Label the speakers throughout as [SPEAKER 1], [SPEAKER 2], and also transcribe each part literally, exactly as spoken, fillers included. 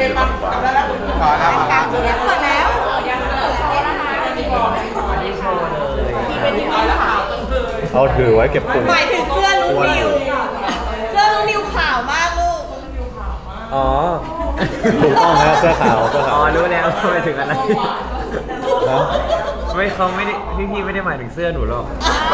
[SPEAKER 1] ปะจำได้แล้วขอแล้วขอแล้ว
[SPEAKER 2] ยังเปิดแล้วยังเปิดแล้วนะคะ
[SPEAKER 1] ที่เป็นที่เอาแล้วขาว
[SPEAKER 3] เอาถือไว้เก็บปุ่ม
[SPEAKER 2] หมายถึงเสื้อลูกนิวเสื้อลูกนิวขาวมากลูก
[SPEAKER 4] อ๋อ
[SPEAKER 3] ถูกต้องนะเสื้อขาวเสื้อ
[SPEAKER 4] อ๋
[SPEAKER 3] ขา
[SPEAKER 4] อ
[SPEAKER 3] ว
[SPEAKER 4] รู้แล้วหมายถึงอะไร
[SPEAKER 3] นะ
[SPEAKER 4] ไม่เขาไม่ได้พี่พี่ไม่ได้หมายถึงเสื้อหนูหรอก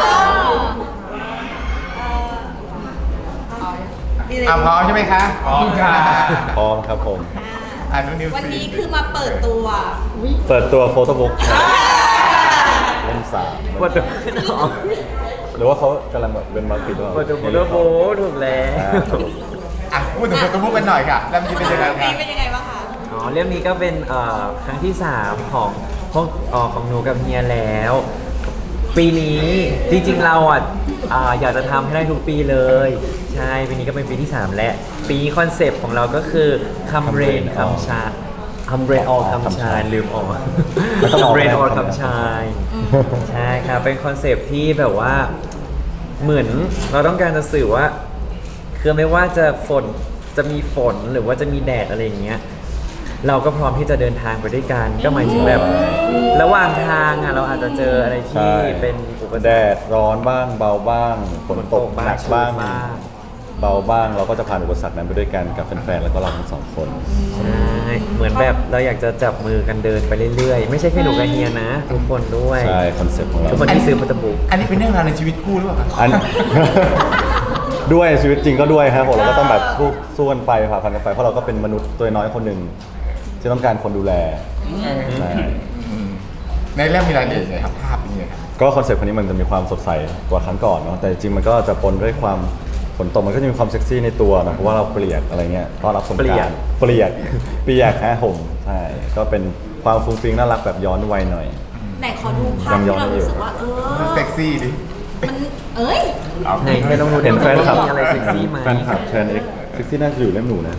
[SPEAKER 1] อ่ะพร้อมใช่ไหมคะพร้อมค่ะ
[SPEAKER 3] พร้อมครับผม
[SPEAKER 1] อ่านุนิว
[SPEAKER 2] วันนี้คือมาเปิดตัว
[SPEAKER 3] เปิดตัวโฟโต้บุ๊กเล่มสาม
[SPEAKER 4] ปวดตัวหนอ
[SPEAKER 3] หรือว่าเขากำลังแบบเป็นมาร์ติดว่า
[SPEAKER 4] ปวดตัวโบโบถูกแล้ว
[SPEAKER 1] อ่ะพูดถึงโฟโต้บุ๊กกันหน่อยค่ะแล้วมันจะเป็นยังไง
[SPEAKER 2] ปี
[SPEAKER 1] คะ
[SPEAKER 2] เป็นยังไงบ้างคะ
[SPEAKER 4] อ๋อเรื่องนี้ก็เป็นเอ่อครั้งที่สามของของเอ่อของหนูกับเฮียแล้ว ปีนี้จริงๆเราอ่ะอ่าอยากจะทำให้ได้ทุกปีเลย ใช่ปีนี้ก็เป็นปีที่สามและปีนี้คอนเซปต์ของเราก็คือคำเรนคำชาคำเรนออคำชายลืมออกคำเรนออคำชายใช่ครับเป็นคอนเซปต์ที่แบบว่าเหมือนเราต้องการจะสื่อว่าคือไม่ว่าจะฝนจะมีฝนหรือว่าจะมีแดดอะไรอย่างเงี้ยเราก็พร้อมที่จะเดินทางไปด้วยกัน ก็หมายถึงแบบ ระหว่างทางอ่ะเราอาจจะเจออะไรที่เป็นอุปสรรค
[SPEAKER 3] แดดร้อนบ้างเบาบ้างฝนตกหนักบ้าง
[SPEAKER 4] บ้าง
[SPEAKER 3] เบาบ้างเราก็จะผ่านอุปสรรคนั้นไปด้วยกันกับแฟนๆแล้วก็เราทั้งสองคน
[SPEAKER 4] ใช่เหมือนแบบเราอยากจะจับมือกันเดินไปเรื่อยๆ ไม่ใช่แค่หนูกับเฮียนะ ทุกคนด้วย
[SPEAKER 3] ใช่คอนเซ็ปต์ของเรา
[SPEAKER 4] ทุกคนที่ซื้อพัตบุก
[SPEAKER 1] อันนี้เป็นเรื่องราวในชีวิตคู่หรือเปล่าคะ
[SPEAKER 3] อัน ด้วยชีวิตจริงก็ด้วยครับผมเราก็ต้องแบบสู้สู้กันไปผ่าพันกันไปเพราะเราก็เป็นมนุษย์ตัวน้อยคนหนึ่งที่ต้องการคนดูแลใช่
[SPEAKER 1] อืมในเรื่องมีรายละเอียดยังไงครับภาพเป็นยังไงครับ
[SPEAKER 3] ก็คอนเซ็ปต์คนนี้มันจะมีความสดใสกว่าครั้งก่อนเนาะแต่จริงๆมันก็จะปนด้วยความฝนตกมันก็จะมีความเซ็กซี่ในตัวนะเพราะว่าเราเปลี่ยนอะไรเงี้ยต้อนรับสงกรานต์เปลี่ยนเปลี่ยนแค่ห่มใช่ก็เป็นความฟุ้งฟิ้งน่ารักแบบย้อนวัยหน่อย
[SPEAKER 2] ไหนขอดูภาพที่เรารู้สึกว่าเออ
[SPEAKER 1] เซ็กซี่ดิ
[SPEAKER 2] มันเอ้ย
[SPEAKER 1] เอา
[SPEAKER 4] ไหนให้ลองดู
[SPEAKER 3] เห็นแฟนคลับ
[SPEAKER 4] มีอะไรเซ็กซี่ไหม
[SPEAKER 3] แฟนคลับแชนเอ็กเซ็กซี่น่าจะอยู่เล่มหนูนะ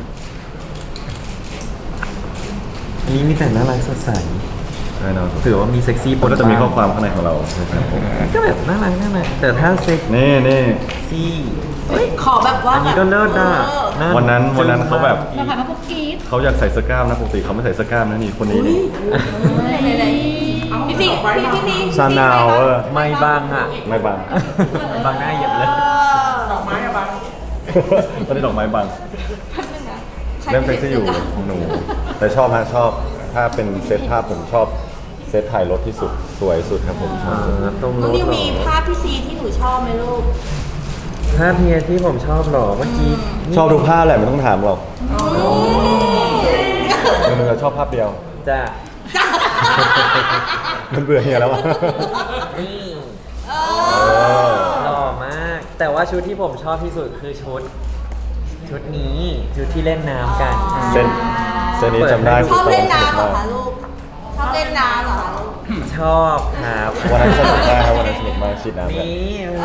[SPEAKER 4] อันนี้มีแต่น่ารักสดใส
[SPEAKER 3] ใช่เนาะ
[SPEAKER 4] ถือว่ามีเซ็กซี่ปน
[SPEAKER 3] ก็จะมีข้อ
[SPEAKER 4] บ้าง
[SPEAKER 3] ความข้างในของเราใช่ครับผม
[SPEAKER 4] ก็แบบน่ารักน่ารักแต่ถ้าเซ็ก
[SPEAKER 3] นี่นี่
[SPEAKER 4] ซี่
[SPEAKER 2] เฮ้ยขอแบบว่า
[SPEAKER 4] อันนี้ก็เลิศนะ
[SPEAKER 2] เออ
[SPEAKER 4] า
[SPEAKER 3] วันนั้นวันนั้นเขาแบบ
[SPEAKER 2] มาผ่านมาพบกีด
[SPEAKER 3] เขาอยากใส่เสื้อกล้ามนะปกติเขาไม่ใส่เสื้อกล้ามนะนี่คนนี้นี่
[SPEAKER 2] ไหนๆพี่พี่พี่พี่พี่
[SPEAKER 3] ซานาวเออ
[SPEAKER 4] ไม่บ้างอ่ะ
[SPEAKER 3] ไม่บัง
[SPEAKER 4] บางหน้าเหยียบเลย
[SPEAKER 1] ดอกไม้อะบัง
[SPEAKER 3] ตอนนี้ดอกไม้บังเล่มเซ็กซี่อยู่ของหนู แต่ชอบฮะชอบถ้าเป็นเซตภาพผมชอบเซตถ่ายรถที่สุดสวยสุดครับผมชอบสุด
[SPEAKER 4] ตรง
[SPEAKER 2] น้อง
[SPEAKER 4] รถ
[SPEAKER 2] นิว
[SPEAKER 4] เหร
[SPEAKER 2] มี
[SPEAKER 4] อ
[SPEAKER 2] ภาพพี่ซีที่หนูชอบไหมลูก
[SPEAKER 4] ภาพเฮียที่ผมชอบเหรอเมื่อกี้
[SPEAKER 3] ชอบทุกภาพแหละไม่ต้องถามหรอกหนูจะชอบภาพเดียว
[SPEAKER 4] จ้ะ
[SPEAKER 3] มันเบื่อเฮียแล้วอะ
[SPEAKER 4] นี่
[SPEAKER 2] เอ
[SPEAKER 3] เอ
[SPEAKER 2] อ
[SPEAKER 3] อ
[SPEAKER 4] หล่อมาก แต่ว่าชุดที่ผมชอบที่สุดคือชุด ชุดนี้ชุดที่เล่นน้ำกัน
[SPEAKER 3] เส้นเส้นนี้จำได้
[SPEAKER 2] ชอบเล่น
[SPEAKER 3] ตอ
[SPEAKER 2] น้ำเหรอ
[SPEAKER 3] สก
[SPEAKER 2] คะลูก ชอบเล่นน้ำเหรอคะลูก
[SPEAKER 4] ชอบครับ
[SPEAKER 3] มากวันนั้นสนุกมากครับวันนั้นสนุกมากฉีดน้ำกัน
[SPEAKER 4] นี่
[SPEAKER 2] เอ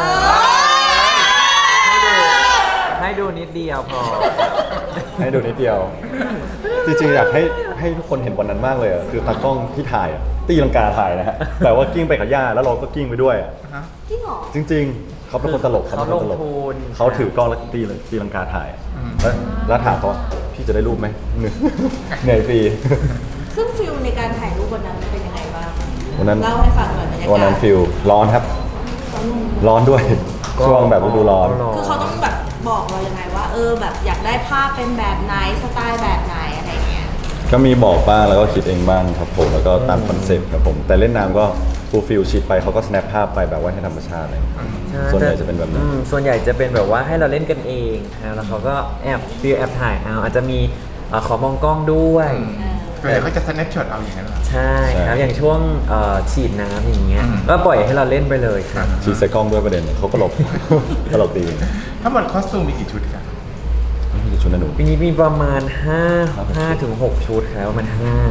[SPEAKER 4] ให้ดูนิดเดียวพอ
[SPEAKER 3] ให้ดูนิดเดียว จริงๆอยากให้ให้ทุกคนเห็นวันนั้นมากเลยอะคือตากล้องที่ถ่ายอะตีลังกาถ่ายนะฮะแต่ว่ากิ้งไปกับย่าแล้วเราก็กิ้งไปด้วยอะ
[SPEAKER 2] จริงเหรอ
[SPEAKER 3] จริง ๆ เขาเป็นคนตลก
[SPEAKER 4] เขา
[SPEAKER 3] เป็นคนตลก
[SPEAKER 4] ลงทุน
[SPEAKER 3] เขาถือกล้องแล้วตีตีลังกาถ่ายอะแล้วแล้วถามเขาว่าพี่จะได้รูปไหมเหนื่อยเหนื่อยฟรี
[SPEAKER 2] ซึ่งฟิลในการถ่ายรูปวันนั้นเป็นยังไงบ้าง
[SPEAKER 3] วันนั้น
[SPEAKER 2] เล่าให้ฟังหน่อยบรรยากาศ
[SPEAKER 3] วันนั้นฟิลร้อนครับ ร้อนด้วย ช่วงแบบฤดูร้อน
[SPEAKER 2] คือเขาต้องแบบบอกเรายังไงว่า เออแบบอยากได้ภาพเป็นแบบไหนสไตล์แบบไหนอะไรเงี้ย
[SPEAKER 3] ก็มีบอกบ้างแล้วก็คิดเองบ้างครับผมแล้วก็ตามคอนเซ็ปต์ครับผมแต่เล่นน้ำก็ฟูลฟิลชิดไปเขาก็สแนปภาพไปแบบว่าให้ธรรมชาติเลย ส่วนใหญ่จะเป็นแบบนั้น
[SPEAKER 4] อืมส่วนใหญ่จะเป็นแบบว่าให้เราเล่นกันเองนะแล้วเขาก็แอบฟิลแอบถ่ายเอาอาจจะมีเอ่อขอมองกล้องด้วย
[SPEAKER 1] ส่วนใหญ่เขาจะสแนปช็อตเอาอย่างนั้นเหรอ
[SPEAKER 4] ใช่ครับ
[SPEAKER 3] ใช่
[SPEAKER 4] อย่างช่วงเอ่อฉีดน้ำอย่างเงี้ย
[SPEAKER 1] อืม
[SPEAKER 4] ก็ปล่อยให้เราเล่นไปเลยครับ
[SPEAKER 3] ชีใส่กล้องด้วยประเด็นเขาก็หลบ ตลกดี
[SPEAKER 1] ทั้งหมดคอสตูมมีกี่ชุดครับ
[SPEAKER 3] นี่คือชุดนันหนู
[SPEAKER 4] ปีนี้มีประมาณห้า
[SPEAKER 3] ครับ
[SPEAKER 4] ห้าถึงหกชุดครับประมาณห้า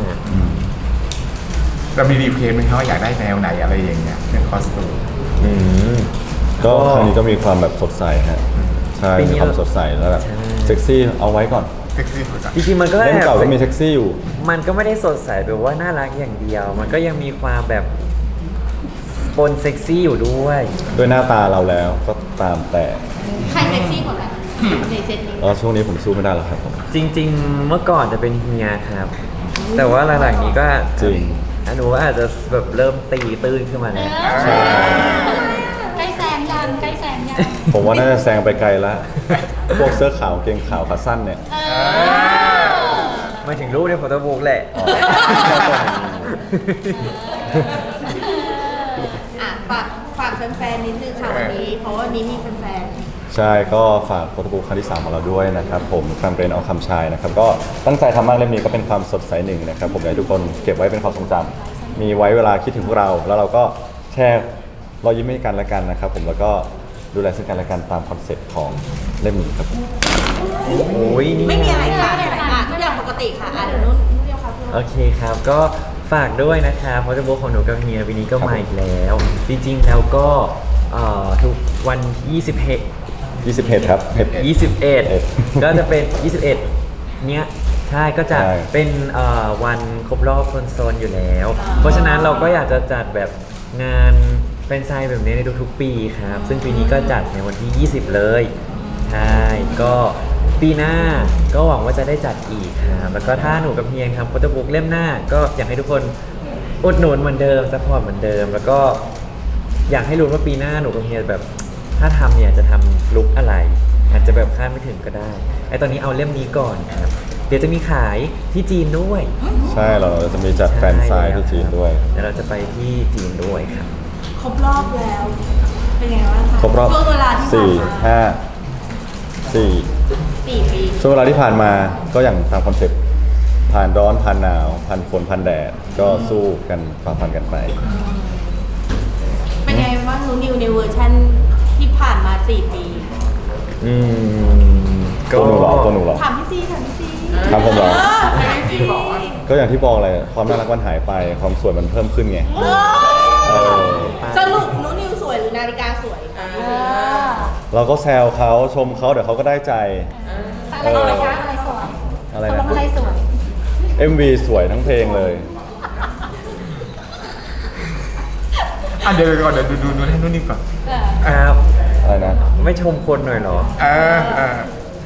[SPEAKER 1] เรามีรีเควสไหมครับว่าอยากได้แนวไหนอะไรอย่างเงี้ยเรื่องคอสตูม
[SPEAKER 4] อืม
[SPEAKER 3] ก็ครั้งนี้ก็มีความแบบสดใสฮะใช่
[SPEAKER 4] ปีนี้
[SPEAKER 3] มีความสดใสแล้วแบบ
[SPEAKER 4] ใช่
[SPEAKER 3] เซ็กซี่เอาไว้ก่อน
[SPEAKER 1] เซ็กซี่สุดอะ
[SPEAKER 4] จริงๆมันก็
[SPEAKER 3] เล่ม
[SPEAKER 4] แอบ
[SPEAKER 3] เก่าก็มีเซ็กซี่อยู่
[SPEAKER 4] มันก็ไม่ได้สดใสแบบว่าน่ารักอย่างเดียว มันก็ยังมีความแบบปนเซ็กซี่อยู่ด้วย
[SPEAKER 3] ด้วยหน้าตาเราแล้วก็ตามแต่
[SPEAKER 2] ใครเซ็กซี่กว่ากันในเซตนี้
[SPEAKER 3] แล้วช่วงนี้ผมสู้ไม่ได้หรอกครับผม
[SPEAKER 4] จริง ๆ เมื่อก่อนจะเป็นเฮียครับ แต่ว่าหลังๆนี้ก็
[SPEAKER 3] จริง
[SPEAKER 4] อนุว่าอาจจะแบบเริ่มตีตื้นขึ้นมาแล้ว
[SPEAKER 3] ใช่
[SPEAKER 5] ใกล้แซงยังใกล้แซงยัง
[SPEAKER 3] ผมว่าน่าจะแซงไปไกลแล้ว พวกเสื้อขาวเกงขาวขาสั้นเนี่ย
[SPEAKER 5] เออ
[SPEAKER 4] มาถึงรูปในโฟโต้บุ๊กแหละ
[SPEAKER 3] อ๋อ
[SPEAKER 2] อ่ะฝากฝากแฟนๆนิดนึงค่ะวันนี้ เพราะว่าวันนี้มีแฟน
[SPEAKER 3] ใช่ก็ฝากโฟโต้บุ๊กครั้งที่สามของเราด้วยนะครับผมแคมเปญเอาคำชายนะครับก็ตั้งใจทำมากเล่มนี้ก็เป็นความสดใสหนึ่งนะครับผมอยากให้ทุกคนเก็บไว้เป็นความทรงจำมีไว้เวลาคิดถึงพวกเรา แล้วเราก็แชร์รอยยิ้มให้กันและกันนะครับผมแล้วก็ดูแลซึ่งกันและกันตามคอนเซ็ปต์ของเล่มนี้ครับผม
[SPEAKER 4] โอ้ยนี่
[SPEAKER 2] ๆ ไม่มีอะไรค่ะอ่ะทุกอย่างปกติค่ะอ่ะเดี๋ยวนุ่นนุ่นเดียวค่ะพี่
[SPEAKER 4] โอเคครับ ก็ฝากด้วยนะคะโฟโต้บุ๊กของหนูกับเฮียปีนี้ก็มาอีกแล้ว จริงๆแล้วก็เอ่อทุกวันยี่สิบเอ็ด
[SPEAKER 3] ยี่สิบเอ็ดครับเห็ด
[SPEAKER 4] ยี่สิบเอ็ด
[SPEAKER 3] เอ็ด
[SPEAKER 4] ก็จะเป็น ยี่สิบเอ็ด เนี้ยใช่ก็จะ
[SPEAKER 3] ใช่
[SPEAKER 4] เป็นเอ่อวันครบรอบคนโซนอยู่แล้ว เพราะฉะนั้นเราก็อยากจะจัดแบบงานเป็นไซน์แบบนี้ในทุกๆปีครับ ซึ่งปีนี้ก็จัดในวันที่ ยี่สิบ เลยใช่ก็ปีหน้าก็หวังว่าจะได้จัดอีกครับแล้วก็ถ้าหนูกับเฮียทำโฟโต้บุ๊กเล่มหน้า ก็อยากให้ทุกคนอุดหนุนเหมือนเดิมซัพพอร์ตเหมือนเดิม แล้วก็อยากให้รู้ว่าปีหน้าหนูกับเฮียแบบ ถ้าทำเนี่ยจะทำลุคอะไร อาจจะแบบคาดไม่ถึงก็ได้ไอตอนนี้เอาเล่มนี้ก่อนครับ เดี๋ยวจะมีขายที่จีนด้วย
[SPEAKER 3] ใช่เราจะมีจัดแฟนไซน์ที่จีนด้วย
[SPEAKER 4] เดี๋ยวเราจะไปที่จีนด้วยครับ
[SPEAKER 2] ครบรอบแล้ว เป็นไงบ้างคะ
[SPEAKER 3] ครบรอบ
[SPEAKER 2] ช่วงเวลาที่ผ่า
[SPEAKER 3] สี่
[SPEAKER 2] นมา
[SPEAKER 3] ห้าสี่
[SPEAKER 2] สี่ปี
[SPEAKER 3] ช่วงเวลาที่ผ่านมาก็อย่างตามคอนเซ็ปต์ผ่านร้อนผ่านหนาวผ่านฝนผ่านแดดก็สู้กันฝ่าฟันกันไป
[SPEAKER 2] เป็นไงบ้างนูนิวในเวอร์ชันที่ผ่านมาสี่ปี
[SPEAKER 4] อืม
[SPEAKER 3] ตัวหนูเหรอตัวหนูเหรอ
[SPEAKER 2] ถามพี่ซีถามพี่ซี
[SPEAKER 3] ถามผมเหรอ
[SPEAKER 2] เออ
[SPEAKER 3] ก็อย่างที่บอกเลยความน่ารักมันหายไปความสวยมันเพิ่มขึ้นไง
[SPEAKER 2] เอ
[SPEAKER 3] เอ
[SPEAKER 2] อ
[SPEAKER 3] อ
[SPEAKER 2] สรุปนูนิวสวยหรือนาฬิกาสวยคะ
[SPEAKER 5] เออ
[SPEAKER 3] เราก็แซวเขาชมเขาเดี๋ยวเขาก็ได้ใจ
[SPEAKER 5] อะไรสวยคะอะไรสวย
[SPEAKER 3] อะไร
[SPEAKER 5] ตก
[SPEAKER 3] นะ
[SPEAKER 5] ลงอะไรสวย
[SPEAKER 3] เอ็ม วี สวยทั้งเพลงเลย
[SPEAKER 1] อ่ะเดี๋ยวก่อนเดี๋ยวดูดูดูให้นุ่นนี่ก่อน
[SPEAKER 5] เออ
[SPEAKER 4] ครับ
[SPEAKER 3] อะไรนะ
[SPEAKER 4] ไม่ชมคนหน่อยเหรอ
[SPEAKER 1] เออเออ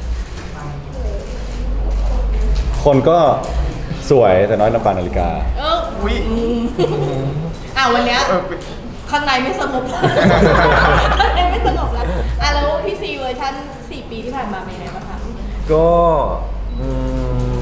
[SPEAKER 3] คนก็สวยแต่น้อยน้ำปานนาฬิกา
[SPEAKER 2] เออ
[SPEAKER 1] อุ้ย
[SPEAKER 2] อ่ะวันเนี้ย
[SPEAKER 1] เออ
[SPEAKER 2] ข้างในไม่สงบแล้วข้างในไม่สงบแล้วอ่ะแล้วพี่ซีเวอร์ชันสี่ปีที่ผ่านมาเป็นยังไงบ้างคะ
[SPEAKER 4] ก็อืม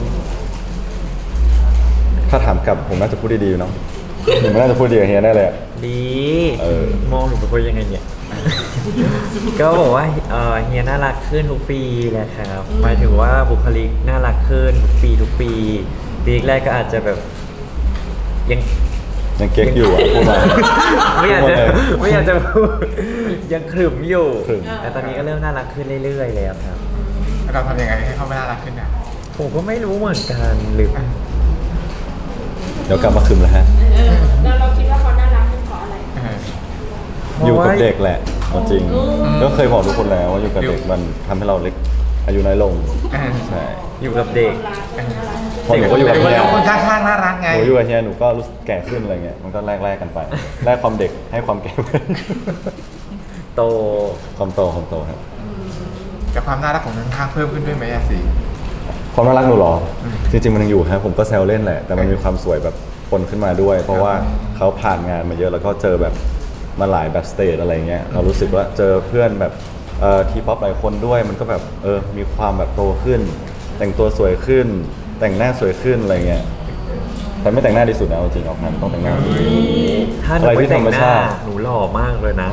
[SPEAKER 3] ถ้าถามกลับผมน่าจะพูดดีๆเนาะผมน่าจะพูดดีกับเฮียแน่เลยอะ
[SPEAKER 4] ดี
[SPEAKER 3] เออ
[SPEAKER 4] มองหนูเป็นคนยังไงเนี่ย ก็บอกว่าเอ่อเฮียน่ารักขึ้นทุกปีแหละครับหมายถึงว่าบุคลิกน่ารักขึ้นทุกปีทุกปีปีแรกก็อาจจะแบบยัง
[SPEAKER 3] ยังเก๊กอยู่อ่ะพูดมา
[SPEAKER 4] ไม่อยากจะ
[SPEAKER 3] พูดมาเลย
[SPEAKER 4] ไม่อยากจะพูดยังขรึมอยู่
[SPEAKER 3] ขรึม
[SPEAKER 4] แต่ตอนนี้ก็เริ่มน่ารักขึ้นเรื่อยๆแล้วครับ
[SPEAKER 1] เราทำยังไงให้เขาไม่น่ารักขึ้นอ่ะ
[SPEAKER 4] ผมก็ไม่รู้เหมือนกันหรือ
[SPEAKER 3] เดี๋ยวกลับมาคืมแล้วฮะ
[SPEAKER 2] แล้วเราคิดว่าเขาน่ารักเป็นเพราะอะไร
[SPEAKER 1] เออ
[SPEAKER 3] อยู่กับเด็กแหละเอาจริง ก็เคยบอกทุกคนแล้วว่าอยู่กับเด็กมันทำให้เราเล็กอายุน้อยลง
[SPEAKER 1] เออ
[SPEAKER 3] ใช่
[SPEAKER 4] อยู่กับเด็ก
[SPEAKER 3] พอหนูก็อยู่กับ
[SPEAKER 1] เด็ก
[SPEAKER 3] เฮีย
[SPEAKER 1] คนข้างๆน่ารักไง
[SPEAKER 3] หนูอยู่กับเฮียหนูก็รู้สึกแก่ขึ้นอะไรเงี้ยมันก็แลกแลกกันไปแลกความเด็กให้ความแก่ ไป
[SPEAKER 4] โต
[SPEAKER 3] ความโตความโตครับ
[SPEAKER 1] แต่ความน่ารักของข้างๆเพิ่มขึ้นด้วยไหมอะสิ
[SPEAKER 3] ความน่ารักหนูเหรอ จริงๆมันยังอยู่ครับผมก็แซวเล่นแหละแต่มันมีความสวยแบบปนขึ้นมาด้วย เพราะว่าเขาผ่านงานมาเยอะแล้วก็เจอแบบมาหลายแบบสเตจอะไรเงี้ยเรารู้สึกว่าเจอเพื่อนแบบเอ่อทีป๊อปหลายคนด้วยมันก็แบบเออมีความแบบโตขึ้น แต่งตัวสวยขึ้น แต่งหน้าสวยขึ้นอะไรเงี้ยแต่ไม่แต่งหน้าดีสุดนะเอาจริงออกงานต้องแต่งหน้าดี
[SPEAKER 4] ถ้าหนู
[SPEAKER 3] อะไร
[SPEAKER 4] ไม่
[SPEAKER 3] ที่
[SPEAKER 4] แต่ง
[SPEAKER 3] ธรรม
[SPEAKER 4] หน้า
[SPEAKER 3] ชาติ
[SPEAKER 4] หนูหล่อมากเลยนะ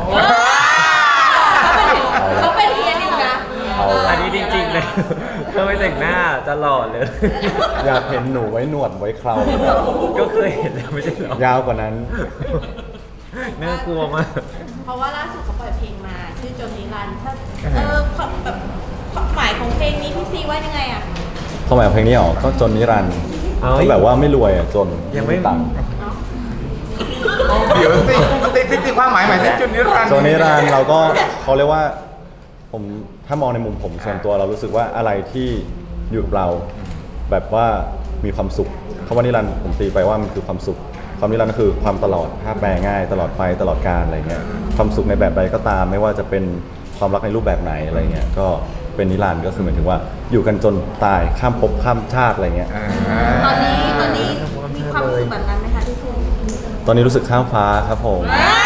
[SPEAKER 2] เขาเป็นเฮียนิวนะ
[SPEAKER 3] เอา
[SPEAKER 4] อันนี้จริงๆเลยถ้าไม่แต่งหน้าจะหล่อเลย
[SPEAKER 3] อยากเห็นหนูไว้หนวดไว้เครา
[SPEAKER 4] ก็เคยเห็นแล้วไม่ใช่เหรอย
[SPEAKER 3] าวกว่านั้น
[SPEAKER 4] น่ากลัวมาก
[SPEAKER 2] เพราะว่าล่าสุดเขาปล่อยเพลงมาชื่อจนนิรันดร์ถ้าเออความแบบความหมายของเพลงนี้พี่ซีว่ายังไงอ่ะ
[SPEAKER 3] ความหมายของเพลงนี้ออกก็จนนิรันดร์
[SPEAKER 4] เอ้ย
[SPEAKER 3] ก็แบบว่าไม่รวยอ่ะจน
[SPEAKER 4] ยังไม่
[SPEAKER 3] ตังค์
[SPEAKER 1] เดี๋ยวสิติดติดติดความหมายหมายถึงจุดนิรันดร์
[SPEAKER 3] จนนิรันดร์เราก็เขาเรียกว่าผมถ้ามองในมุมผมส่วนตัวเรารู้สึกว่าอะไรที่อยู่กับเราแบบว่ามีความสุขคำว่านิรันดร์ผมตีไปว่ามันคือความสุขความนิรันดร์ก็คือความตลอดถ้าแปลง่ายตลอดไปตลอดกาลอะไรเงี้ยความสุขในแบบใดก็ตามไม่ว่าจะเป็นความรักในรูปแบบไหนอะไรเงี้ยก็เป็นนิรันดร์ก็คือหมายถึงว่าอยู่กันจนตายข้ามภพข้ามชาติอะไรเงี้ย
[SPEAKER 1] อ่า
[SPEAKER 2] ตอนนี้ตอนนี้มีความรู้สึกแบบนั้นไหมคะที่คุณ
[SPEAKER 3] ตอนนี้รู้สึกข้ามฟ้าครับผม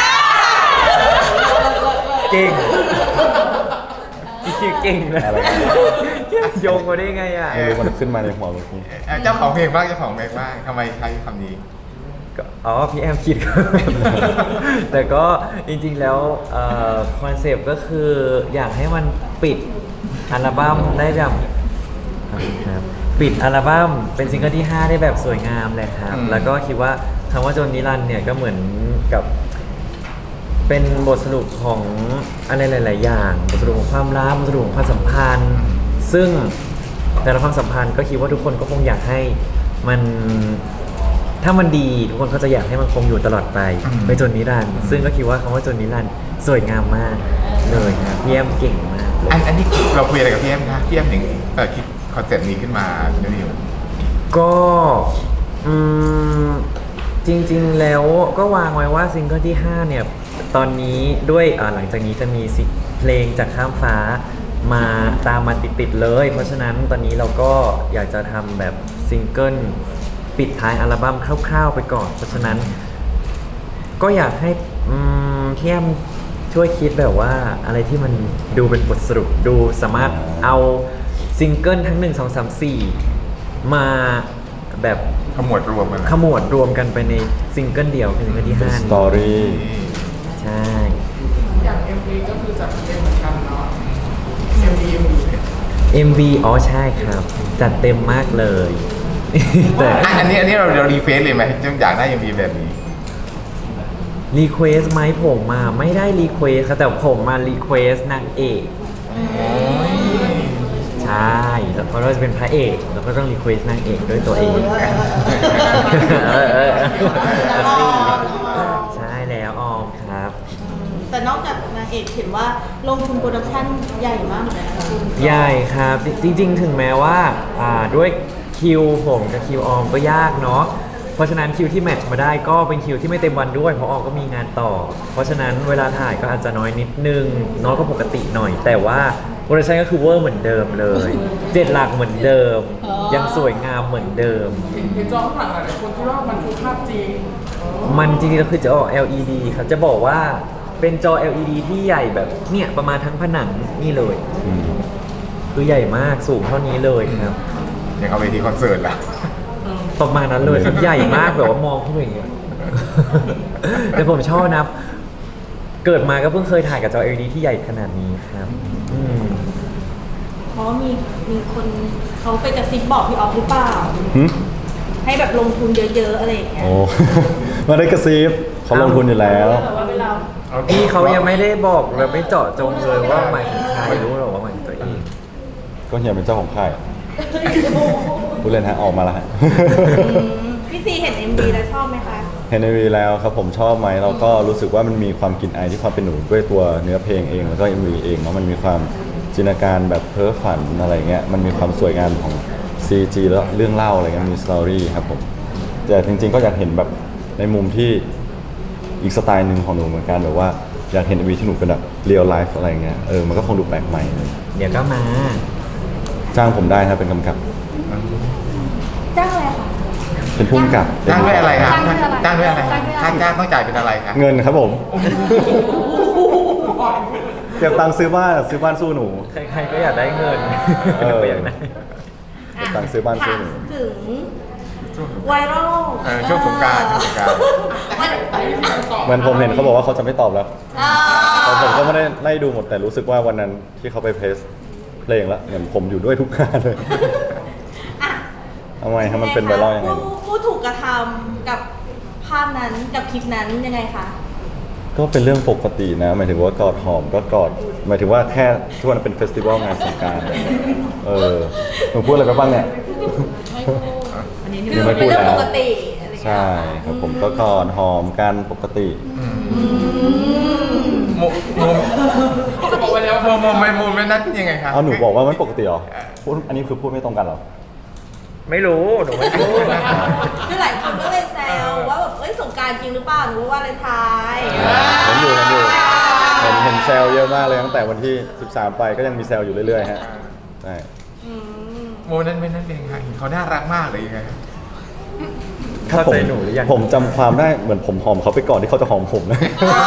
[SPEAKER 4] เก่งพี่คิวเก่งนะ
[SPEAKER 3] อะไร
[SPEAKER 4] โยงมาได้ไงอ่ะ
[SPEAKER 3] ไม่รู้มันขึ้นมาในหัวเมื่อกี้
[SPEAKER 1] เอ่อเจ้าของเพลงบ้างเจ้าของเพลงบ้างทำไมใช้คำนี้
[SPEAKER 4] ก็อ๋อพี่แอมคิดก็แบบนั้นแต่ก็จริงๆแล้วคอนเซปต์ก็คืออยากให้มันปิดอัลบั้มได้แบบครับปิดอัลบั้มเป็นซิงเกิลที่ ห้า ได้แบบสวยงามเลยครับ
[SPEAKER 1] อืม
[SPEAKER 4] แล้วก็คิดว่าคำว่าโจนนิรันดร์เนี่ยก็เหมือนกับ เป็นบทสรุปของอะไรหลาย ๆ อย่างบทสรุปของความรักบทสรุปของความสัมพันธ์ ซึ่งแต่ละความสัมพันธ์ก็คิดว่าทุกคนก็คงอยากให้มันถ้ามันดีทุกคนก็จะอยากให้มันคงอยู่ตลอดไป
[SPEAKER 1] อืม
[SPEAKER 4] ไปจนนิรันดร์ซึ่งก็คิดว่าคำว่าจนนิรันดร์สวยงามมากเลยครับพี่แอมเก่งมากเลย
[SPEAKER 1] อันอันนี้เราคุยอะไรกับพี่แอมคะพี่แอมถึงเอ่อคิดคอนเซ็ปต์นี้ขึ้นมาเนี่ยนิว
[SPEAKER 4] ก็อืมจริงๆแล้วก็วางไว้ว่าซิงเกิลที่ ห้า เนี่ย ตอนนี้ด้วยอ่าหลังจากนี้จะมีสิเพลงจากข้ามฟ้ามาตามมาติดๆเลย เพราะฉะนั้นตอนนี้เราก็อยากจะทำแบบซิงเกิลปิดท้ายอัลบั้มคร่าวๆไปก่อน เพราะฉะนั้น ก็อยากให้อืมพี่แอมช่วยคิดแบบว่าอะไรที่มันดูเป็นบทสรุปดูสามารถเอาซิงเกิลทั้งหนึ่งสองสามสี่มาแบบ
[SPEAKER 1] ขมวดรวมกันนะ
[SPEAKER 4] ขมวดรวมกันไปในซิงเกิลเดียวคือซิงเกิลที่
[SPEAKER 3] เป็น
[SPEAKER 4] ห้า
[SPEAKER 3] ส
[SPEAKER 4] นี้
[SPEAKER 3] ตอรี่
[SPEAKER 4] ใช่
[SPEAKER 6] อย่าง เอ็ม วี ก็คือจัดเต็มเหมือนกันเนาะ เอ็ม วี เอ็ม วี
[SPEAKER 4] เอ็ม วี อ๋อใช่ครับ จัดเต็มมากเลย แต่
[SPEAKER 1] อ่ะอันนี้อันนี้เราเรารีเฟซเลยไหมจึงอยากได้ยังมีแบบนี้
[SPEAKER 4] รีเควสไหมผมมาไม่ได้รีเควสครับแต่ผมมารีเควสนางเอกใช่เพราะเราจะเป็นพระเอกเราก็ต้องรีเควสนางเอกด้วยตัวเองเออเออเออใช่แล้วออมครับ
[SPEAKER 2] แต่นอกจากนางเอกเห็นว่าลงทุนโปรดักชั่นใหญ่มากเหมือนกันนะคุณ
[SPEAKER 4] ใหญ่ครับ จริงๆ ถึงแม้ว่าอ่าด้วยคิวผมกับคิวออมก็ยากเนาะเพราะฉะนั้นคิวที่แมทช์มาได้ก็เป็นคิวที่ไม่เต็มวันด้วยเพราะออมก็มีงานต่อ เพราะฉะนั้นเวลาถ่ายก็อาจจะน้อยนิดนึงน้อยกว่าปกติหน่อย แต่ว่าโปรดักชั่นก็คือเวอร์เหมือนเดิมเลยเจ็ดหลักเหมือนเดิม ยังสวยงามเหมือนเดิม
[SPEAKER 6] เห็นเห็นจอข้างหลังหลายคนที่ว่ามันคือภาพจริง
[SPEAKER 4] มันจริงๆก็คือจอ แอล อี ดี ครับจะบอกว่าเป็นจอ แอล อี ดี ที่ใหญ่แบบเนี่ยประมาณทั้งผนังนี่เลย
[SPEAKER 3] อืม
[SPEAKER 4] คือใหญ่มากสูงเท่านี้เลยครับ
[SPEAKER 1] อย่างเอาไปที่คอนเสิร์ตละ
[SPEAKER 4] ประมาณนั้นเลยครับใหญ่มากแบบว่ามองเข้าไปอย่างเงี้ย แต่ผมชอบนะ เกิดมาก็เพิ่งเคยถ่ายกับจอ แอล อี ดี ที่ใหญ่ขนาดนี้ครับอืม
[SPEAKER 2] เพราะว่ามีมีคนเขาไปกระซิบบอกพี่ออฟหรือเปล่า
[SPEAKER 3] หึ
[SPEAKER 2] ให้แบบลงทุนเยอะๆอะไรอย่างเงี้ย
[SPEAKER 3] โอ้ ไมาได้กระซิบเขาลงทุนอยู่แล้ว
[SPEAKER 2] แบบว่าเวลา
[SPEAKER 4] พี่เขายังไม่ได้บอกเลยไม่เจาะจงเลยว่าหมายถึงใครรู้หรอกว่าหมายถึงตัวเอง
[SPEAKER 3] ก็เฮียเป็นเจ้าของค่ายผู้เล่นฮะออกมาแล้วฮะ
[SPEAKER 2] พี่ซีเห็น เอ็ม วี แล้วชอบไหมคะ
[SPEAKER 3] เห็นในวีแล้วครับผมชอบไหมเราก็รู้สึกว่ามันมีความกลิ่นอายที่ความเป็นหนูด้วยตัวเนื้อเพลงเองแล้วก็ เอ็ม วี เองเนาะมันมีความจินตนาการแบบเพ้อฝันอะไรเงี้ยมันมีความสวยงามของ ซี จี แล้วเรื่องเล่าอะไรเงี้ยมีสตอรี่ครับผมแต่จริงๆก็อยากเห็นแบบในมุมที่อีกสไตล์หนึ่งของหนูเหมือนกันแบบว่าอยากเห็น เอ็ม วี ที่หนูเป็นแบบเรียลไลฟ์อะไรเงี้ยเออมันก็คงดูแปลกใหม่เลย
[SPEAKER 4] เดี๋ยวก็มา
[SPEAKER 3] จ้างผมได้ครับเป็นกำกับ
[SPEAKER 2] จ้างอะไรคะ
[SPEAKER 3] เป็นผู้กำกับ
[SPEAKER 1] จ้างด้วยอะไรครับ
[SPEAKER 5] จ้างด้วยอะไร
[SPEAKER 1] จ้างด้วยอะไร
[SPEAKER 5] จ้างด้วยอะไร
[SPEAKER 1] ค่าจ้างต้องจ่ายเป็นอะไรครับ
[SPEAKER 3] เงินครับผมเก็บตังค์ซื้อบ้านซื้อบ้านสู้หนู
[SPEAKER 4] ใครๆก็อยากได้เงิน
[SPEAKER 3] เออ
[SPEAKER 4] ก็อยากได้
[SPEAKER 3] เก็บตังค์ซื้อบ้านซื้อหนู
[SPEAKER 2] ถามถึงไวรัล
[SPEAKER 1] เออช่วงสงกรานต์ช่วงสงกรานต์
[SPEAKER 2] วัน
[SPEAKER 3] เหมือนผมเห็นเขาบอกว่าเขาจะไม่ตอบแล้ว
[SPEAKER 2] อ่า
[SPEAKER 3] แต่ผมก็ไม่ได้ไล่ดูหมดแต่รู้สึกว่าวันนั้นที่เขาไปเพลสเพลงแล้วเหมือนผมอยู่ด้วยทุกงานเลย
[SPEAKER 2] อ่ะ
[SPEAKER 3] ทำไมครับมันเป็นไวรัลยังไง
[SPEAKER 2] ผู้ผู้ถูกกระทำกับภาพนั้นกับคลิปนั้นยังไงคะ
[SPEAKER 3] ก็เป็นเรื่องปกตินะหมายถึงว่ากอดหอมก็กอดหมายถึงว่าแค่ช่วงนั้นเป็นเฟสติวัลงานสงกรานต์เออหนูพูดอะไรไปบ้างเนี่ย
[SPEAKER 2] คือ
[SPEAKER 3] ไม่
[SPEAKER 2] เป็น
[SPEAKER 3] พูด
[SPEAKER 2] เรื่อง
[SPEAKER 3] แล้ว
[SPEAKER 2] ปกติอะไรอย่างเงี้ย
[SPEAKER 3] ใช่ครับผมก็กอดหอมกันปกติ
[SPEAKER 1] โมโมบอกไปแล้วโมโมไม่โมไม่นั่นยังไงครับ
[SPEAKER 3] เอาหนูบอกว่ามันปกติเหรอพูดอันนี้คือพูดไม่ตรงกันเหรอ
[SPEAKER 4] ไม่รู้หนูไม่รู้
[SPEAKER 2] คือหลายคนก็เลยแซวว่าแบบเอ้ยสงกรารจริงหรือเปล่าหรือว่าวาเลนไทน์
[SPEAKER 3] เห็นอยู่เห็นอยู่เห็ห็นเห็นแซวเยอะมากเลยตั้งแต่วันที่สิบสามไปก็ยังมีแซวอยู่เรื่อยๆฮะใช่
[SPEAKER 2] อืม
[SPEAKER 1] โมนั้นเป็นนั่นเองค่ะเห็นเขาน่ารักมากเลยยังไง
[SPEAKER 4] เข้าใจหนูหรือยัง
[SPEAKER 3] ผมจำความได้เหมือนผมหอมเขาไปก่อนที่เขาจะหอมผมนะ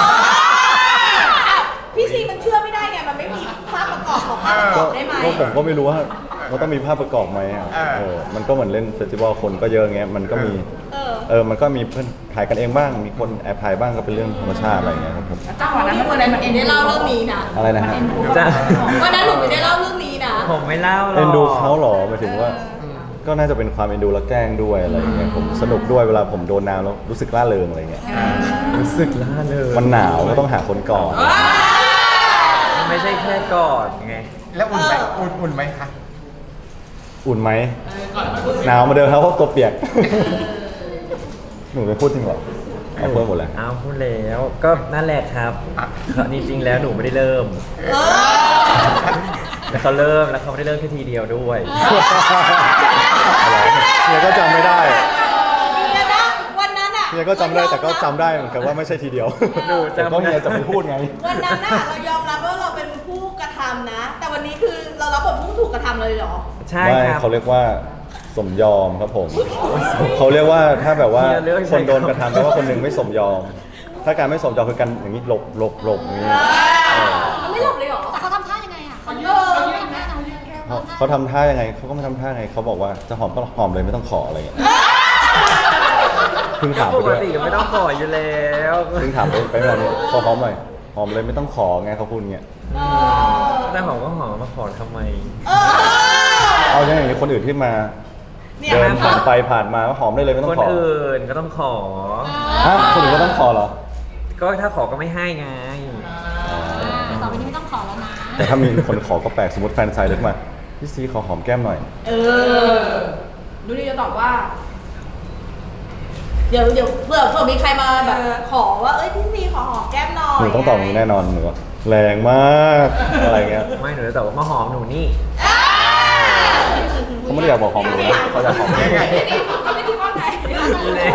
[SPEAKER 2] พี่ซีมันเชื่อไม่ได้ไง มันไม่มีภาพประกอบของภาพประกอบได้ไหม
[SPEAKER 3] ก็ผมก็ไม่รู้ว่ามันต้องมีภาพประกอบไหมอ่ะเออมันก็เหมือนเล่นเฟสติวัลคนก็เยอะเงี้ยมันก็มี
[SPEAKER 2] เออ
[SPEAKER 3] เออมันก็มีเพื่อนถ่ายกันเองบ้างมีคนแอบถ่ายบ้างก็เป็นเรื่องธรรมชาติอะไรเงี้ยครับผม
[SPEAKER 2] จังหวะนั้นวันนั้นมันเอ็นได้เล่าเรื่องนี้นะ
[SPEAKER 3] อะไรนะฮะ
[SPEAKER 4] จ้ะ
[SPEAKER 2] วันนั้นหนูไม่ได้เล่าเรื่องนี้นะ
[SPEAKER 4] ผมไม่เล่าหรอก
[SPEAKER 3] เอ็นดูเขาเหรอหมายถึงว่า ก็น่าจะเป็นความเอ็นดูและแกล้งด้วยอะไรเงี้ยผมสนุกด้วยเวลาผมโดนน้ำแล้วรู้สึกร่าเริงอะไรเงี้ย
[SPEAKER 4] รู้สึกล่าเลย
[SPEAKER 3] มันหนาวก็ต้องหาคนกอด
[SPEAKER 4] มันไม่ใช่แค่กอดไง
[SPEAKER 1] แล้วอุ่นไหมอุ่นอุ่นไหมคะ
[SPEAKER 3] อุ่นไหมหนาวมาเดิมครับเพราะตัวเปียก หนูไปพูดจริงเหรอเอาเพิ่มหมดแล้ว
[SPEAKER 4] อ้าวพูดแล้วก็นั่นแหละครับจริงๆแล้วหนูไม่ได้เริ่ม
[SPEAKER 2] เออ
[SPEAKER 4] แล้วเขาเริ่มแล้วเขาไม่ได้เริ่มแค่ทีเดียวด้วย
[SPEAKER 3] อะไรเฮียก็จำไม่ได้
[SPEAKER 2] เดี๋ยวนะวันนั้นอ่ะ
[SPEAKER 3] เฮียก็จำได้แต่ก็จำได้เหมือนกันว่าไม่ใช่ทีเดียว
[SPEAKER 4] หนูจำ
[SPEAKER 3] แต่ก็เฮียจะไม่พูดไง
[SPEAKER 2] วันนั้นน่ะเรายอมรับว่าเราเป็นผู้กระทำนะ แต่วันนี้คือเรารับบทผู้ถูกกระทำเลยเหรอ
[SPEAKER 4] ใช่
[SPEAKER 3] ไม่
[SPEAKER 4] ครับ
[SPEAKER 3] เขาเรียกว่าสมยอมครับผมเขาเรียกว่าถ้าแบบว่า
[SPEAKER 4] เฮียเลือกใช้
[SPEAKER 3] คนโดนกระทำแปลว่าคนหนึ่งไม่สมยอม ถ้าการไม่สมยอมคือการอย่างนี้หลบหลบหลบอย่างนี้
[SPEAKER 2] มันไม่หลบเลยเหรอ
[SPEAKER 5] แต่เขาทำท่ายังไงอ่ะเขา
[SPEAKER 2] เออ
[SPEAKER 5] เขาทำท่าอะไร
[SPEAKER 3] เขาเขาทำท่ายังไงเขาก็ไม่ทำท่าไงเขาบอกว่าจะหอมก็หอมเลยไม่ต้องขออะไรอย่างเงี้ยเพิ่งถาม
[SPEAKER 4] ป
[SPEAKER 3] ไป
[SPEAKER 4] ก
[SPEAKER 3] ด้วย
[SPEAKER 4] ติก็ไม่ต้องขออยู่แล้ว
[SPEAKER 3] เพิ่งถามไปไปเมื่อวานนี้ขอหอมหน่อยหอมเลยไม่ต้องขอไงเขาพูดอย่างเงี้ย
[SPEAKER 4] แต่หอมก็หอมมาขอทำไม
[SPEAKER 2] เออ
[SPEAKER 3] เอาอย่างนี้คนอื่นที่มา
[SPEAKER 2] เนี่ย
[SPEAKER 3] เดินผ่านไปผ่านมาก็หอมได้เลยไม่ต้อ
[SPEAKER 4] ค
[SPEAKER 3] ง
[SPEAKER 4] น
[SPEAKER 3] ขอ
[SPEAKER 4] อื่นก็ต้องขอ
[SPEAKER 3] ฮะคนอื่นก็ต้องขอเหรอ
[SPEAKER 4] ก็ถ้าขอก็ไม่ให้ไง
[SPEAKER 5] ต่อไปนี้ไม่ต้องขอแล้วนะ
[SPEAKER 3] แต่ถ้ามีคนขอก็แปลกสมมติแฟนไซด์เล็กมาพี่ซีขอหอมแก้มหน่อย
[SPEAKER 2] เออ ดูนี่จะตอบว่า เดี๋ยวเดี๋ยวเผื่อเผื่อมีใครมาแบบขอว่า เอ้ยพี่ซีขอหอมแก้มหน่อย
[SPEAKER 3] หนูต้องตอบอย่างนี้แน่นอนหนูว่าแรงมากอะไรเงี้ย
[SPEAKER 4] ไม่หนูจะตอบว่ามาหอมหนูนี่
[SPEAKER 2] อ่า
[SPEAKER 3] เขาไม่ได้อยากบอกหอมหนูนะเขาอยากหอมแก้ม
[SPEAKER 1] ยังไง
[SPEAKER 2] เขาไม่คิดว่าไง
[SPEAKER 4] เล่น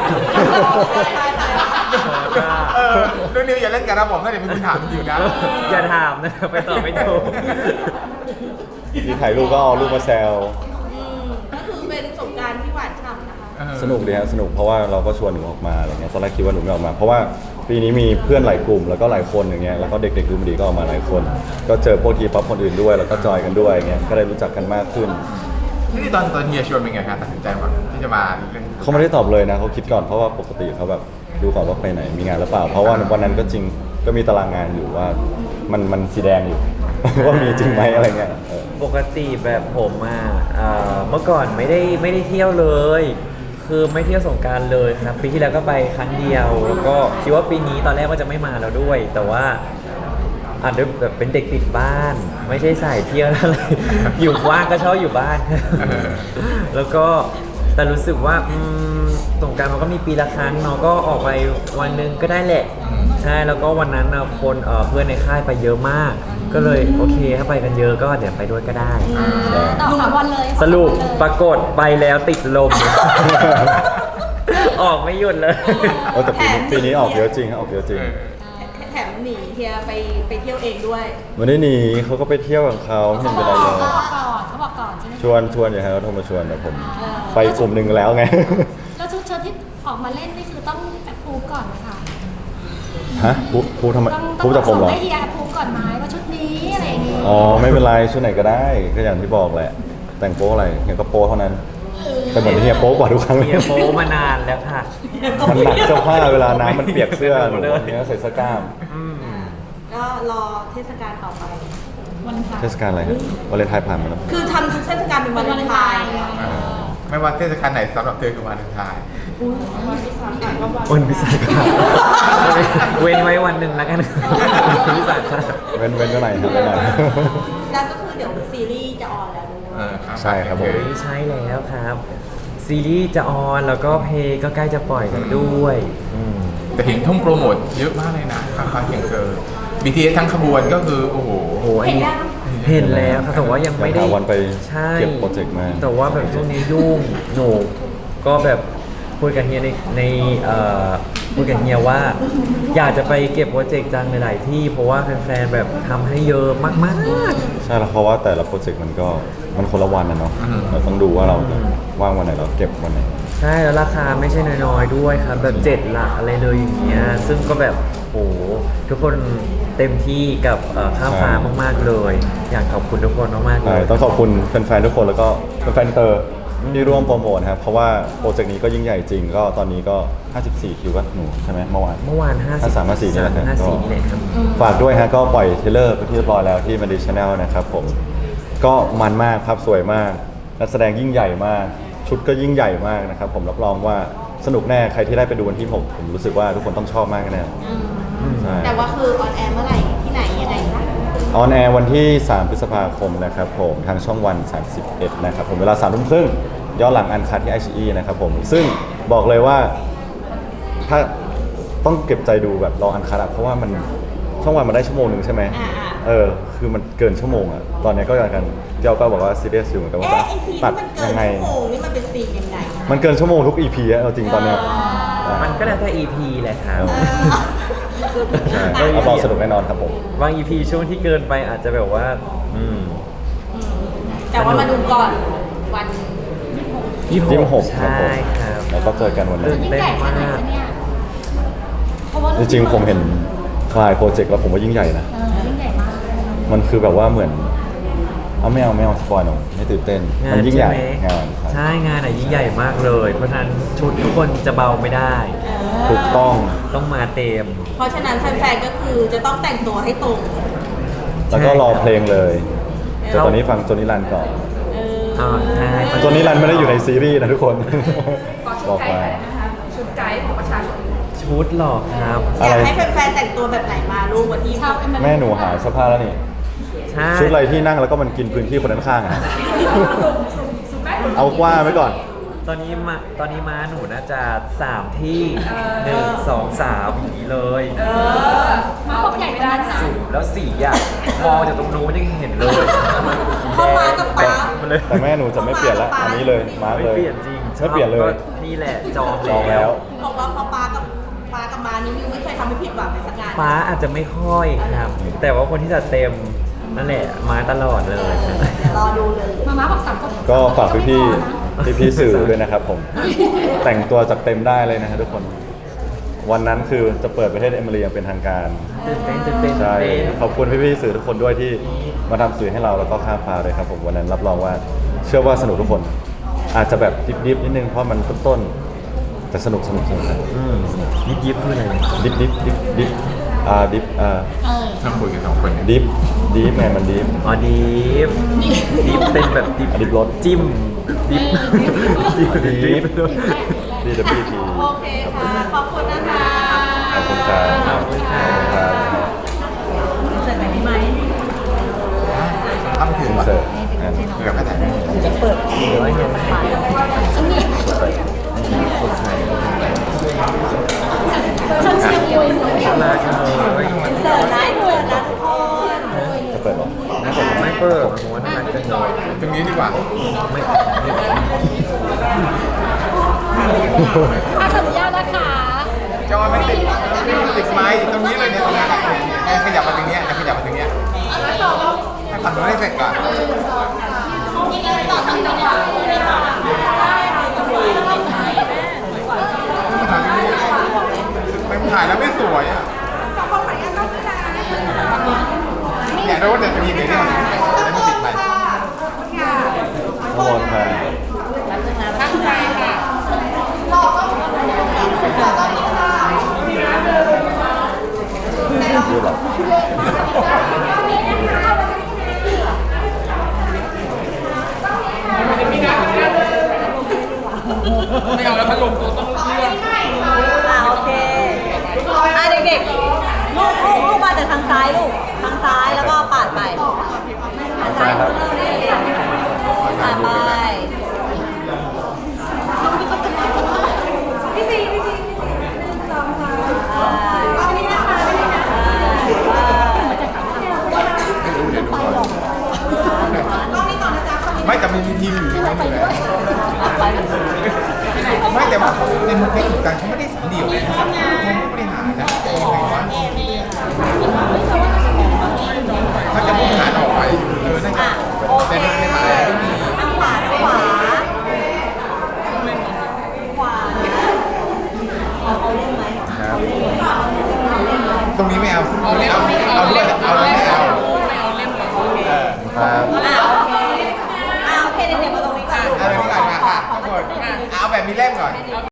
[SPEAKER 1] เออเรื่องนี้อย่าเล่นกับระบบนะเดี๋ยวมีคุณถามอยู่นะ
[SPEAKER 4] อย่าถามนะไปตอบไม่ถูก
[SPEAKER 3] มีถ่ายรูปก็เอารูปมาแซว
[SPEAKER 2] อืมก็คือเป็นสงกรารที่หวานฉ่ำนะคะ
[SPEAKER 1] เออ
[SPEAKER 3] สนุกดีฮะสนุกเพราะว่าเราก็ชวนหนูออกมาอะไรเงี้ยตอนแรกคิดว่าหนูไม่ออกมา เพราะว่าปีนี้มีเพื่อนหลายกลุ่มแล้วก็หลายคนอย่างเงี้ยแล้วก็เด็กๆดูมันดีก็ออกมาหลายคน ก็เจอพวกทีป๊อปคนอื่นด้วยแล้วก็จอยกันด้วยอย่างเงี้ยก็ได้รู้จักกันมากขึ้น
[SPEAKER 1] นี่ตอนตอนเฮียชวนเป็นไงคะตัดสินใจว่าที่จะมาเรื่อง
[SPEAKER 3] เขาไม่ได้ตอบเลยนะเขาคิดก่อนเพราะว่าปกติเขาแบบดูก่อนว่าไปไหนมีงานหรือเปล่า เพราะว่าวันนั้นก็จริงก็มีตารางงานอยู่ว่ามันมันสีแดงอยู่ ว่ามีจริงไหมอะไรเงี้ยเออ
[SPEAKER 4] ปกติแบบผมอ่ะเอ่อเมื่อก่อนไม่ได้ไม่ได้เที่ยวเลย คือไม่เที่ยวสงกรารเลยครับปีที่แล้วก็ไปครั้งเดียว แล้วก็คิดว่าปีนี้ตอนแรกว่าจะไม่มาแล้วด้วย แต่ว่าอาจจะแบบเป็นเด็กติดบ้าน ไม่ใช่สายเที่ยวอะไร อยู่ว่างก็ชอบอยู่บ้าน แล้วก็แต่รู้สึกว่าอืมสงกรารมันก็มีปีละครั้งเนาะก็ออกไปวันหนึงก็ได้แหละใช่แล้วก็วันนั้นน่ะคนเอ่อเพื่อนในค่ายไปเยอะมาก ก็เลยโอเคถ้าไปกันเยอะก็เดี๋ยวไปด้วยก็ได้
[SPEAKER 5] ต่อสามวันเลย
[SPEAKER 4] สรุปปรากฏไปแล้วติดลม ออกไม่หยุดเลย
[SPEAKER 3] เออแต่ปีนี้ปีนี้ออกเยอะจริงฮะออกเยอะจริง
[SPEAKER 1] เออ
[SPEAKER 2] แถมหนีเฮียไปไปเที่ยวเองด้วย
[SPEAKER 3] วันนี้หนีเขาก็ไปเที่ยวของเขาไม่เห็นเป็นไรเลย
[SPEAKER 5] เขาบอกก่อนเขาบอกก่อนใช่ไหม
[SPEAKER 3] ชวนชวนอย่าให้เขาโทรมาชวนแต่ผม ไปกลุ่มหนึ่งแล้วไง
[SPEAKER 5] แล้วชุดเชิ้ตที่ออกมาเล่นนี่คือต้องแอปพูฟก่อนไหมคะ
[SPEAKER 3] ฮะพูดพูดทำไม
[SPEAKER 5] ต้อง
[SPEAKER 3] พูดจากผมเหรอ
[SPEAKER 5] ส่งให้เฮียแอปพูฟก่อนไหมว่าชุดนี้อะไรอย่างงี้
[SPEAKER 3] อ๋อไม่เป็นไรชุดไหนก็ได้ก็อย่างที่บอกแหละ แต่งโป๊อะไรเฮียก็โป๊เท่านั้นแต่เหมือนเฮียโป๊กว่าทุกครั้งเลย
[SPEAKER 4] เฮียโป๊มานานแล้วค่ะ
[SPEAKER 3] มันหนักเสื้อผ้าเวลาน้ำมันเปียกเสื้อหนูเนี้ยใส่เสื้อกล้าม
[SPEAKER 4] อืม
[SPEAKER 2] ก็รอเทศกาลต่อไป
[SPEAKER 5] วันพระ
[SPEAKER 3] เทศกาลอะไรฮะวาเลนไทน์ผ่านมาแล้ว
[SPEAKER 2] คือทำทุกเทศกาลเป็น
[SPEAKER 5] วั
[SPEAKER 2] วัน น
[SPEAKER 5] วาเลน
[SPEAKER 2] ไท
[SPEAKER 5] ไท
[SPEAKER 2] น์
[SPEAKER 5] น์ไง
[SPEAKER 1] เออไม่ว่าเทศกาลไหนสำหรับเธอคือวันไทาย
[SPEAKER 4] วันวิสาขะเว้นไว้วันหนึ่งแล้วกันวิสาขะ
[SPEAKER 3] เว้นเว้นเท่าไหร่ครับเว้นหน่อย
[SPEAKER 2] แล้วก็คือเดี๋ยวซีรีส์จะออนแล้วด้วย
[SPEAKER 1] เออครับ
[SPEAKER 3] ใช่ครับผม
[SPEAKER 4] ไม่ใช่แล้วครับ ซีรีส์จะออนแล้วก็เพลงก็ใกล้จะปล่อยกันด้วยอืม
[SPEAKER 1] แต่เห็นทุ่มโปรโมทเยอะมากเลยนะข้างๆเคียงเกิน บี ที เอส ทั้งขบวนก็คือโอ้โห
[SPEAKER 4] โอ้โหอันนี้เห็นแล้วครับแต่ว่ายังไม่ได้
[SPEAKER 3] อยากหาวันไป
[SPEAKER 4] ใช่
[SPEAKER 3] เก็บโปรเจกต์มา
[SPEAKER 4] แต่ว่าแบบช่วงนี้ยุ่งหนูก็แบบคุยกับเฮียในในเอ่อคุยกับเฮียว่า อยากจะไปเก็บโปรเจกต์จังหลายๆที่เพราะว่าแฟนๆแบบทำให้เยอะมากๆ
[SPEAKER 3] ใช่แล้วเพราะว่าแต่ละโปรเจกต์มันก็มันคนละวันนะเนาะเราต้องดูว่าเราจะว่างวันไหนเราเก็บวันไหน
[SPEAKER 4] ใช่แล้วราคาไม่ใช่น้อยๆด้วยครับแบบเจ็ดหลักอะไรเลยอย่างเงี้ยซึ่งก็แบบโอ้โหทุกคนเต็มที่กับเอ่อข้ามฟ้ามากๆเลย อยากขอบคุณทุกคนมากๆเล
[SPEAKER 3] ใช่
[SPEAKER 4] ย
[SPEAKER 3] ต้องขอบคุณแฟนๆทุกคนแล้วก็แฟนๆเตอร์ที่ร่วมโปรโมทนะครับเพราะว่าโปรเจกต์นี้ก็ยิ่งใหญ่จริงก็ตอนนี้ก็ห้าสิบสี่คิวก็หนูใช่ไหมเมื่อวาน
[SPEAKER 4] เมื่อวานห้าสิบ
[SPEAKER 3] ห้าสามห้าสี่นี่แหละครับ
[SPEAKER 4] ห้าสี่นี่แหละครับ
[SPEAKER 3] ฝากด้วยฮะก็ปล่อยเทรลเลอร์ไปที่เรียบร้อยแล้วที่มันดีชาแนลนะครับผมก็มันมากครับสวยมากนักแสดงยิ่งใหญ่มาก ชุดก็ยิ่งใหญ่มากนะครับผมรับรองว่าสนุกแน่ใครที่ได้ไปดูวันที่ผมผมรู้สึกว่าทุกคนต้องชอบมากแน่
[SPEAKER 2] อืม
[SPEAKER 3] ใช่
[SPEAKER 2] แต่ว่าคือออนแอร์เมื่อไหร่ที่ไหนยังไงคะ
[SPEAKER 3] ออนแอร์วันที่สามพฤษภาคมนะครับผมทางช่องวันสามสิบเอ็ดนะครับผมเวลาสามทุ่มครึ่งย้อนหลังอันคัดที่ ไอ ซี อี นะครับผมซึ่งบอกเลยว่าถ้าต้องเก็บใจดูแบบรออันคัดอะเพราะว่ามันช่องวันมันได้ชั่วโมงหนึ่งใช่ไหม
[SPEAKER 2] อ่าอ่า
[SPEAKER 3] เออคือมันเกินชั่วโมงอะตอนนี้ก็อย่างกันเจ้าก็บอกว่าซีเรียสอยู่เหมือนกันว่า
[SPEAKER 2] เอ๊ะไอซีน
[SPEAKER 3] ตัด
[SPEAKER 2] ที่มันเกิ
[SPEAKER 3] ยั
[SPEAKER 2] น
[SPEAKER 3] งไง
[SPEAKER 2] ชั่วโมงนี่มันเป็นซีนยังไง
[SPEAKER 3] มันเกินชั่วโมงทุก อี พีอะเอาจริงตอนเนี้ย
[SPEAKER 4] มันก็แล้วแต่ อี พี แหละครับ
[SPEAKER 3] ใช่รับรองสนุกแน่นอนครับผม
[SPEAKER 4] บาง อี พี ช่วงที่เกินไปอาจจะแบบว่า อืม
[SPEAKER 2] แต่ว่ามาดูก่อนวัน
[SPEAKER 4] ยี่
[SPEAKER 3] ยี่สิบหกครับ
[SPEAKER 4] ใช่
[SPEAKER 3] ผม
[SPEAKER 4] ครับ
[SPEAKER 3] แล้วก็เจอกันวันนั้น
[SPEAKER 5] ยิ่งใหญ่แค่ไหนคะเนี่ยเพราะว่า
[SPEAKER 3] จริงๆผมเห็นคลายโปรเจกต์แล้วผมว่ายิ่งใหญ่นะ
[SPEAKER 5] เออยิ่งใหญ่มาก
[SPEAKER 3] มันคือแบบว่าเหมือนเอาไม่เอาไม่เอาสปอยหน่อยไม่ตื่นเต้น
[SPEAKER 4] งา
[SPEAKER 3] มัน
[SPEAKER 4] น
[SPEAKER 3] ยิ่งใหญ่
[SPEAKER 4] ช่ไม
[SPEAKER 3] งานครับ
[SPEAKER 4] ใช่งานอ่ะยิ่งใหญ่มากเลย เพราะฉะนั้นชุดทุกคนจะเบาไม่ได้
[SPEAKER 3] ถูกต้อง
[SPEAKER 4] ต้องมาเต็ม
[SPEAKER 2] เพราะฉะนั้นแฟนๆก็คือจะต้องแต่งตัวให้ตรง
[SPEAKER 3] แล้วก็รอเพลงเลย
[SPEAKER 2] เออ
[SPEAKER 3] แต่ตอนนี้ฟังโจนิรันก่อน
[SPEAKER 2] เออ
[SPEAKER 4] อ่าใช่
[SPEAKER 3] โจนิรันไม่ได้อยู่ในซีรีส์นะทุกคน
[SPEAKER 6] ขอชุ
[SPEAKER 3] บ
[SPEAKER 6] ด
[SPEAKER 3] อก
[SPEAKER 6] ไกด์
[SPEAKER 3] ไป
[SPEAKER 6] หน่อยนะคะชุดไกด์ของประชาชน
[SPEAKER 4] ชุดหรอครับ
[SPEAKER 2] อยาก
[SPEAKER 3] อะไร
[SPEAKER 2] ให้แฟนๆแต่งตัวแบบไหนมาลูกวันที่
[SPEAKER 5] ชาวเอ็ม
[SPEAKER 3] แม่หนูหาเสื้อผ้าแล้วนี่
[SPEAKER 4] ใช่
[SPEAKER 3] ชุดอะไรที่นั่งแล้วก็มันกินพื้นที่คนข้างๆอ่ะ เอากว้างไว้ก่อน
[SPEAKER 4] ตอนนี้มาตอนนี้ม้าหนูน่าจะสามที่หนึ่งสองสามอย่างนี้เลย
[SPEAKER 5] มาพวกใหญ่ไม่ได้นะ
[SPEAKER 4] สุ่มแล้วสีอ่ะมองจากตรงนู้นยังเห็นเลย
[SPEAKER 2] พ่อมากับป๊า
[SPEAKER 4] มาเลย
[SPEAKER 3] แต่แม่หนูจะไม่เปลี่ยนละอันนี้เลยมาร์ก
[SPEAKER 4] ไม่
[SPEAKER 3] เลย
[SPEAKER 4] เปลี่ยนจริง
[SPEAKER 3] ไม่เปลี่ยนเลย
[SPEAKER 4] ก็นี่แหละจอง
[SPEAKER 3] จองแล้ว
[SPEAKER 2] บอกว่าพอป๊ากับป๊ากับมานี่มิวไม่เคยทำให้ผิดหวังในสักงาน
[SPEAKER 4] ฟ้าอาจจะไม่ค่อยครับ แต่ว่าคนที่จะเต็มนั่นแหละมาตลอดเลย
[SPEAKER 2] เดี๋ยวรอดูเลย
[SPEAKER 5] มาม่าบอกสามคน
[SPEAKER 3] ก็ฝากพี่พี่
[SPEAKER 5] ไม่พอนะ
[SPEAKER 3] พี่พี่ๆสื่อด้วยนะครับผม แต่งตัวจัดเต็มได้เลยนะฮะทุกคน วันนั้นคือจะเปิดประเทศเอมิเรียเป็นทางการ
[SPEAKER 4] ตื่นเต้นตื่นเต้น
[SPEAKER 3] ใช่
[SPEAKER 4] ตื่นเต้น
[SPEAKER 3] ขอบคุณพี่พี่ๆสื่อทุกคนด้วยที่มาทำสื่อให้เราแล้วก็ข้ามฟ้าเลยครับผมวันนั้นรับรองว่าเชื่อว่าสนุกทุกคน อาจจะแบบดิบๆนิดนึงเพราะมันต้นๆแต่สนุกสนุกสนุกนะ
[SPEAKER 4] อืมยิบยิบคืออะไร
[SPEAKER 3] ดิบดิบดิบดิบอ่าดิบอ่า
[SPEAKER 5] เออ
[SPEAKER 1] ต้องคุยกันสองคนเนี่ย
[SPEAKER 3] ดิฟดิฟไงมันดิฟ
[SPEAKER 4] อ๋อดิฟดิฟเป็นแบบดิฟ
[SPEAKER 3] ดิฟรส
[SPEAKER 4] จิ้มดิฟดิฟดิฟ
[SPEAKER 3] ดีดับเบิลที
[SPEAKER 2] โอเคค่ะ ขอบคุณนะคะ
[SPEAKER 3] ขอบคุณครับ
[SPEAKER 4] ขอบคุณครับ
[SPEAKER 3] ครับ
[SPEAKER 2] เสร็จไหมพี่ไหม
[SPEAKER 1] ทำถึง
[SPEAKER 3] อิน
[SPEAKER 1] ว่ะ
[SPEAKER 3] เสิร์ตอ่ะ
[SPEAKER 1] เดี๋ยวก็แต่ง
[SPEAKER 4] หรือว่ายังไง
[SPEAKER 5] ฉันเชียร์มวยหนูอยาก
[SPEAKER 4] มากเลย
[SPEAKER 2] เสิร์ฟนะเสิร์ฟนะทุกคน
[SPEAKER 3] จะเปิดหรอ
[SPEAKER 4] ไม่เปิดผมว่าน่ารักจังเลย
[SPEAKER 1] ตรงนี้ดีกว่า
[SPEAKER 4] ไม่
[SPEAKER 5] อาขออนุญาตนะคะ
[SPEAKER 1] จอไม่ติดไม่ติดไม้ตรงนี้เลยเนี่ยตรงนี้เนี่ยเนี่ยขยับมาตรงเนี้ยขยับมาตรงเนี้ยให้ฝั่งนู้นให้เสร็จก่อนไม่ถ่ายแล้วไม่สวยอ่ะเนี่ยเราจะมีเดี๋ยวนี้มันแล้วมันติดไป
[SPEAKER 3] โทษค่ะ
[SPEAKER 2] ตั้งใจค่ะ
[SPEAKER 3] ยืดหรอ
[SPEAKER 6] ไม่เอาแล้วพัดลมตัวต้องเลือก
[SPEAKER 2] อ่าโอเคอ่ะเด็กๆ ลูกลูกลูกมาจากทางซ้ายลูก ทางซ้ายแล้วก็ปาดไปทางซ้ายมือปาดไปพี่ซีพี่ซีสองสามเอานี่นะคะนี่นะคะ
[SPEAKER 1] ไม่รู้เดี๋ยวดูก่อนไม่แต่มันมีทีมอยู่ใช่ไหมอยู่แล้วไม่แต่ว่าในมุกในสุดการเขาไม่ได้สอนเดี่ยวนะเขาผู้บริหารนะเขาจะบริหารออกไปเออนั่นก็
[SPEAKER 2] อ่ะโอเค
[SPEAKER 1] แต่ในหมายไม่มี
[SPEAKER 2] ทางขวาทางขวาขวาเอาเขาเล่นไหม
[SPEAKER 1] ครับ
[SPEAKER 2] เอาเล่นไหมเอาเล่นไหม
[SPEAKER 1] ตรงนี้ไม่เอาเอาเอาเอาด้วยเอาด้วยไม่เอาเออครับ
[SPEAKER 2] อ่าโอเคอ่าโอเคเด็กๆมาตรงนี้ก่อนลูก
[SPEAKER 1] เอาแบบนี้ก่อนมาค่ะทุกคนเอาแบบมีเล่มก่อน